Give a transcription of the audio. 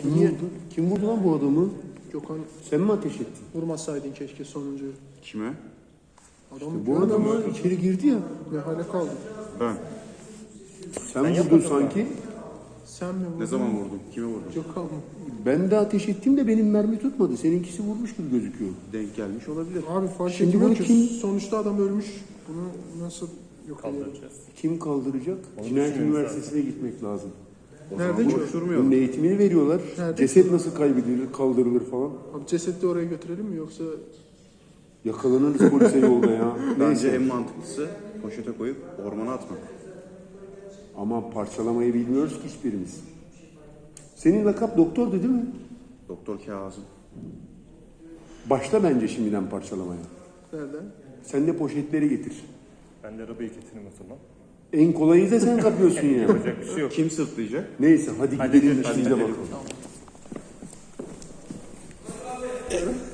Kim vurdu? Kim vurdu lan bu adamı? Gökhan Sen mi ateş ettin? vurmasaydın keşke sonuncuyu. Kime? Adamı Bu adam içeri girdi ya. ne hale kaldı? Ben. Sen vurdun sanki. Sen mi vurdun? Ne zaman vurdum? Kime vurdum? Gökhan mı? Ben de ateş ettim de benim mermi tutmadı. Seninkisi vurmuş gibi gözüküyor. Denk gelmiş olabilir. Abi fark Şimdi etmiyor bunu ki kim- sonuçta adam ölmüş. Bunu nasıl yok edelim? Kaldıracağız. Kim kaldıracak? Onu Cinayet düşünmemiz Üniversitesi'ne gitmek lazım. Nerede ki? Konuşturmayalım. Bunun eğitimini veriyorlar. Nerede? Ceset nasıl kaybedilir, kaldırılır falan. Abi cesedi de oraya götürelim mi yoksa Yakalanırız polise yolda ya. Bence Neyse. en mantıklısı poşete koyup ormana atmak. Ama parçalamayı bilmiyoruz ki hiçbirimiz. Senin lakap doktordu değil mi? Doktor Kazım. Başla bence şimdiden parçalamaya. nereden? Sen de poşetleri getir. Ben de arabayı getireyim o zaman. En kolayı da sen kapıyorsun ya. Yapacak bir şey yok. Kim sırtlayacak? Neyse hadi gidelim gidelim, işimize hadi bakalım.